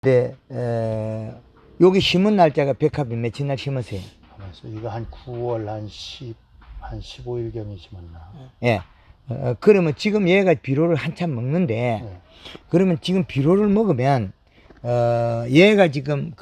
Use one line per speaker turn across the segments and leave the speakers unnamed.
네, 여기 심은 날짜가 백합이 며칠 날 심으세요?
이거 한 9월 한 15일경에 심었나?
예. 그러면 지금 얘가 비료를 한참 먹는데,
네.
그러면 지금 비료를 먹으면, 얘가 지금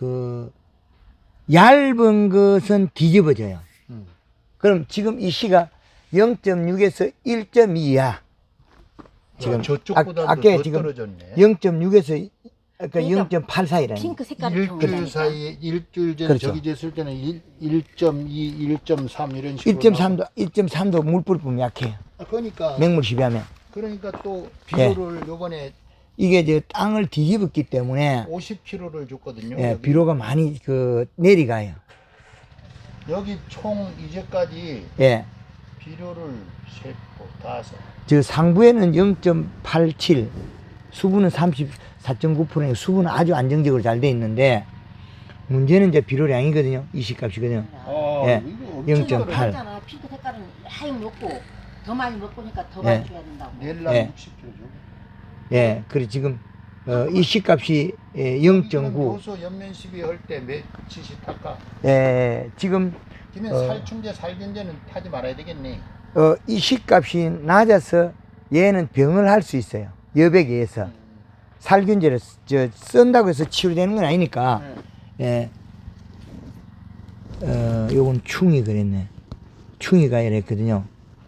얇은 것은 뒤집어져요. 그럼 지금 이 씨가 0.6에서 1.2야. 지금
저쪽보다도
아까
더
지금
떨어졌네.
0.6에서 그러니까
그러니까
0.8 사이라는.
핑크 색깔이
일주일 사이에 일주일 전에
그렇죠.
저기 됐을 때는 1.2, 1.3 이런 식으로
1.3도 물 뿌리면 약해요.
그러니까
맹물 시비하면.
그러니까 또 비료를 요번에
이게 이제 땅을 뒤집었기 때문에
50kg를 줬거든요.
예,
여기.
비료가 많이 내려가요.
여기 총 이제까지
예.
비료를 세 포, 다섯.
저 상부에는 0.87, 수분은 34.9%, 수분은 아주 안정적으로 잘 돼 있는데 문제는 이제 비료량이거든요. 이식값이거든요. 예,
이거
0.8.
잖아 핑크 색깔은 많이 먹고 더 많이 먹으니까 더
예.
많이 줘야 된다고.
넬라
예.
60kg죠.
예, 그래 지금 이식값이 0.9.
요소 연면 시비 할 때 며칠씩 탈까?
예, 지금
그러면 살충제, 살균제는 타지 말아야 되겠네.
이식값이 낮아서 얘는 병을 할 수 있어요. 여백에 의해서. 살균제를 쓴다고 해서 치료되는 건 아니니까. 예. 요건 충이 그랬네. 충이 가열 했거든요.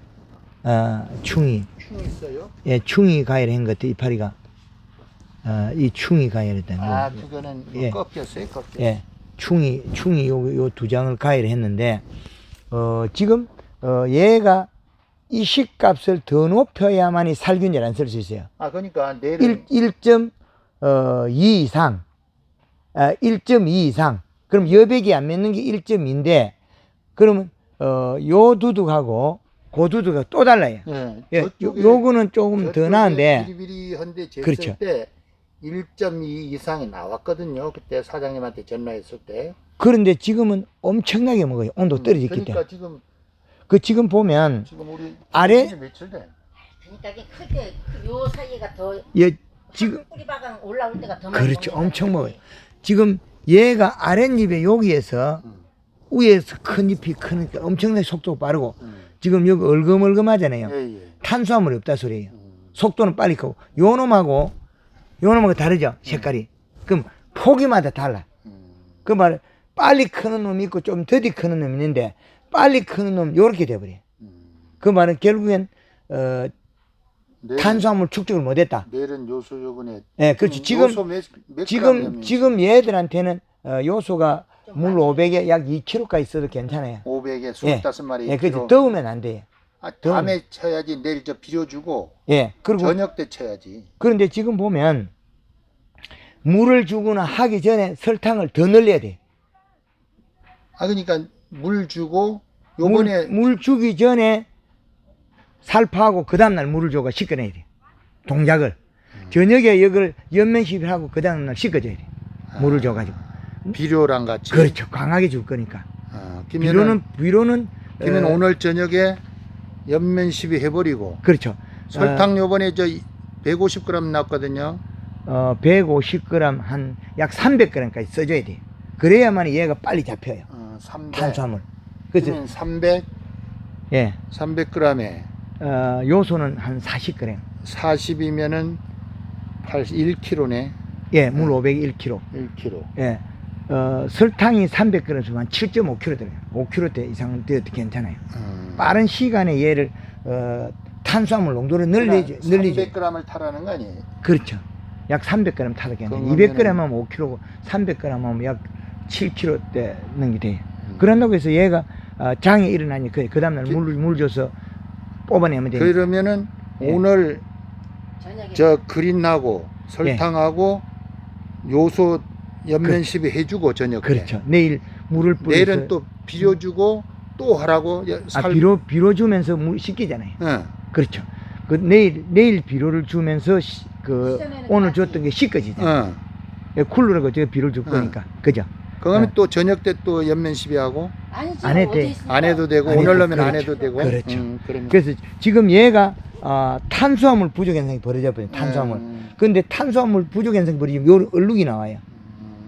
충이.
충 있어요?
예, 충이 가열 한 것 같아, 이파리가. 이 충이 가열했다.
그거는
예.
꺾였어요, 꺾였어요.
예. 충이 요 두 장을 가열했는데, 지금, 얘가 이식값을 더 높여야만이 살균제를 안 쓸 수 있어요.
그러니까 내일
1.2 이상, 1.2 이상. 그럼 여백이 안 맺는 게 1.2인데, 그러면, 요 두둑하고, 그 두둑하고 또 달라요. 예, 요거는 조금 더 나은데,
비리비리한데 쟀을
그렇죠.
때 1.2 이상이 나왔거든요. 그때 사장님한테 전화했을 때.
그런데 지금은 엄청나게 먹어요. 온도 떨어졌기
그러니까
때문에. 지금 보면,
지금 우리
아래-
며칠 돼?
그러니까 이게 클 때 요 사이가 더
지금,
뿌리바강 올라올 때가 더 많이
그렇죠.
먹는
엄청
거야.
먹어요. 지금 얘가 아랫잎에 여기에서 위에서 큰 잎이 크니까 엄청나게 속도가 빠르고 지금 여기 얼금얼금하잖아요.
예.
탄수화물이 없다 소리예요. 속도는 빨리 크고 요놈하고 다르죠. 색깔이. 그럼 포기마다 달라. 그 말 빨리 크는 놈이 있고 좀 더디 크는 놈이 있는데 빨리 크는 놈 요렇게 돼버려요. 그 말은 결국엔 탄수화물 축적을 못했다.
내일은 요소 요번에.
예, 그렇죠. 지금 얘들한테는 요소가 물 500에 약 2kg까지 있어도 괜찮아요.
500에 25마리.
예, 그렇지. 더우면 안 돼요.
밤에 쳐야지. 내일 저 비료 주고
예, 그리고
저녁 때 쳐야지.
그런데 지금 보면 물을 주거나 하기 전에 설탕을 더 넣어야 돼.
그러니까 물 주고 요번에
물 주기 전에 살포하고 그 다음날 물을 줘가 씻겨내야 돼. 동작을. 저녁에 이걸 연면시비하고 그 다음날 씻겨줘야 돼. 물을 줘가지고.
비료랑 같이.
그렇죠. 강하게 줄 거니까.
그러면
비료는
오늘 저녁에 연면 시비 해버리고.
그렇죠.
설탕 요번에 저 150g 나왔거든요.
150g 한 약 300g까지 써줘야 돼. 그래야만 얘가 빨리 잡혀요.
300.
탄수화물. 그래서
300.
예.
300g에
요소는 한 40g.
40이면은 1kg네.
예, 물 501kg.
1kg.
예. 설탕이 300g이면 한 7.5kg 들어요. 5kg 이상 되어도 괜찮아요. 빠른 시간에 얘를 탄수화물 농도를 늘리죠.
300g을 타라는 거 아니에요?
그렇죠. 약 300g 타도 괜찮아요. 200g 하면 5kg, 300g 하면 약 7kg 되는 게 돼요. 그런다고 해서 얘가 장에 일어나니 그 다음날 물 줘서 뽑아내면 돼요.
그러면은
예.
오늘
저녁에
저 그린하고 설탕하고 요소 연면 시비 해주고 저녁에.
그렇죠. 내일 물을 뿌려서
내일은 또 비료 주고 또 하라고.
비료 주면서 물 씻기잖아요.
응.
그렇죠. 내일 비료를 주면서 오늘 줬던 게 씻겨지잖아요.
응.
쿨러라고 제가 비료를 줄 거니까. 그죠?
그러면 또 저녁 때 또 연면 시비 하고.
아니지
안 해도
어디
돼.
있으니까.
안 해도 되고
안
오늘
해도
넣으면 안
그렇죠.
해도 되고.
그렇죠.
그러면.
그래서 지금 얘가 탄수화물 부족 현상이 벌어져 버려요. 탄수화물. 그런데 탄수화물 부족 현상이 벌어지면 요 얼룩이 나와요.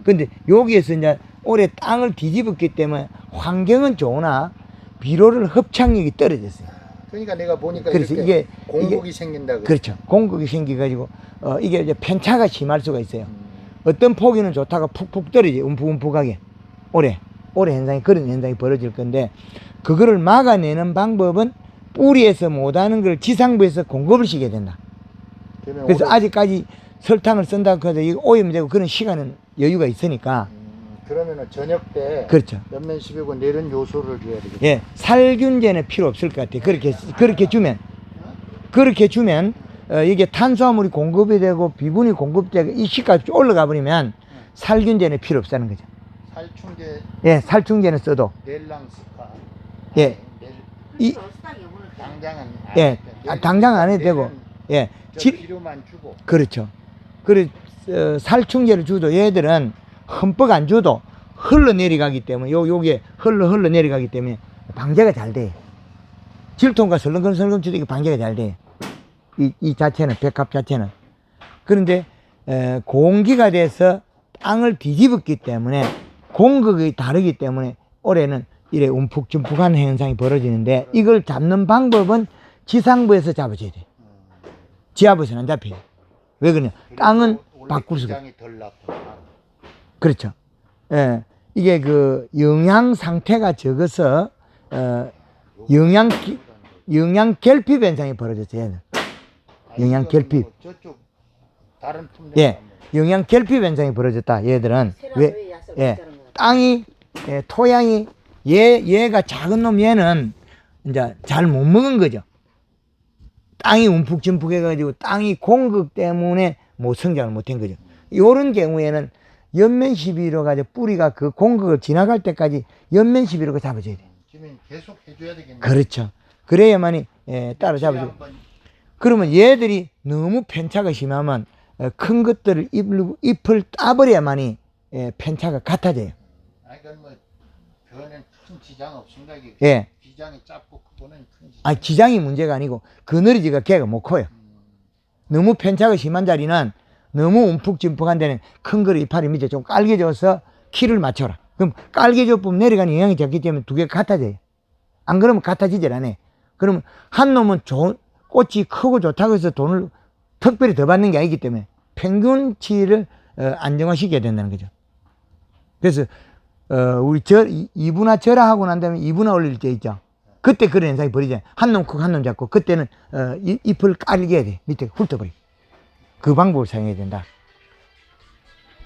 근데 여기에서 이제 올해 땅을 뒤집었기 때문에 환경은 좋으나 비료를 흡착력이 떨어졌어요.
그러니까 내가 보니까
그래서
이렇게 공국이 생긴다.
그렇죠. 공격이 생겨가지고 이게 이제 편차가 심할 수가 있어요. 어떤 포기는 좋다가 푹푹 떨어져요. 움푹움푹하게. 올해 현상이 그런 현상이 벌어질 건데 그거를 막아내는 방법은 뿌리에서 못하는 걸 지상부에서 공급을 시켜야 된다. 그래서 아직까지 설탕을 쓴다고 해도 이거 오염되고 그런 시간은 여유가 있으니까.
그러면은 저녁 때
그렇죠.
연면 12고 내른 요소를 줘야 되겠다.
예, 살균제는 필요 없을 것 같아요. 그렇게 주면 이게 탄수화물이 공급이 되고 비분이 공급되고 이 시까지 올라가 버리면 살균제는 필요 없다는 거죠.
살충제.
예, 살충제는 써도.
넬랑스카.
예. 이
당장은
예, 당장 안 해도 되고. 예.
비료만 주고.
그렇죠. 그래 살충제를 줘도 얘들은 흠뻑 안 줘도 흘러내려가기 때문에 요게 흘러내려가기 때문에 방제가 잘 돼. 질통과 설렁설렁 쳐도 이게 방제가 잘 돼. 이 자체는 백합 자체는. 그런데 공기가 돼서 땅을 뒤집었기 때문에 공극이 다르기 때문에 올해는 이래 움푹짐푹한 현상이 벌어지는데 이걸 잡는 방법은 지상부에서 잡아줘야 돼. 지하부에서는 안 잡혀요. 왜 그러냐? 땅은 바꿀 수가 없어요.
덜 났구나.
그렇죠. 예, 이게 그 영양 상태가 적어서 영양 결핍 현상이 벌어졌어요. 얘는. 영양 결핍.
저쪽 다른 품목.
예, 영양 결핍 현상이 벌어졌다. 얘들은 왜? 예, 땅이 토양이 얘가 작은 놈 얘는 이제 잘 못 먹은 거죠. 땅이 움푹짐푹 해가지고 땅이 공급 때문에 못 성장을 못한 거죠. 요런 경우에는 연면 11호 가지고 뿌리가 그 공급을 지나갈 때까지 연면 11호가 잡아줘야 돼.
지금 계속 해줘야 되겠네.
그렇죠. 그래야만이 따라 잡아줘. 그러면 얘들이 너무 편차가 심하면 큰 것들을 잎을 따버려야만이 편차가 같아져요.
아니 뭐 그거는 큰 지장 없습니다.
예.
기장이 짧고 그거는 큰 지장.
아, 기장이 문제가 아니고 그늘지가 걔가 못 커요. 너무 편차가 심한 자리는 너무 움푹짐푹한 데는 큰 거를 이파리 밑에 좀 깔개져서 키를 맞춰라. 그럼 깔개져 보면 내려가는 영향이 적기 때문에 두 개가 같아져요. 안 그러면 같아지질 않아요. 그러면 한 놈은 꽃이 크고 좋다고 해서 돈을 특별히 더 받는 게 아니기 때문에 평균치를 안정화시켜야 된다는 거죠. 그래서 우리 이분화 절하하고 난 다음에 이분화 올릴 때 있죠. 그때 그런 현상이 벌이잖아요. 한 놈 크고 한 놈 작고 그때는 잎을 깔게 해야 돼. 밑에 훑어버리고. 그 방법을 사용해야 된다.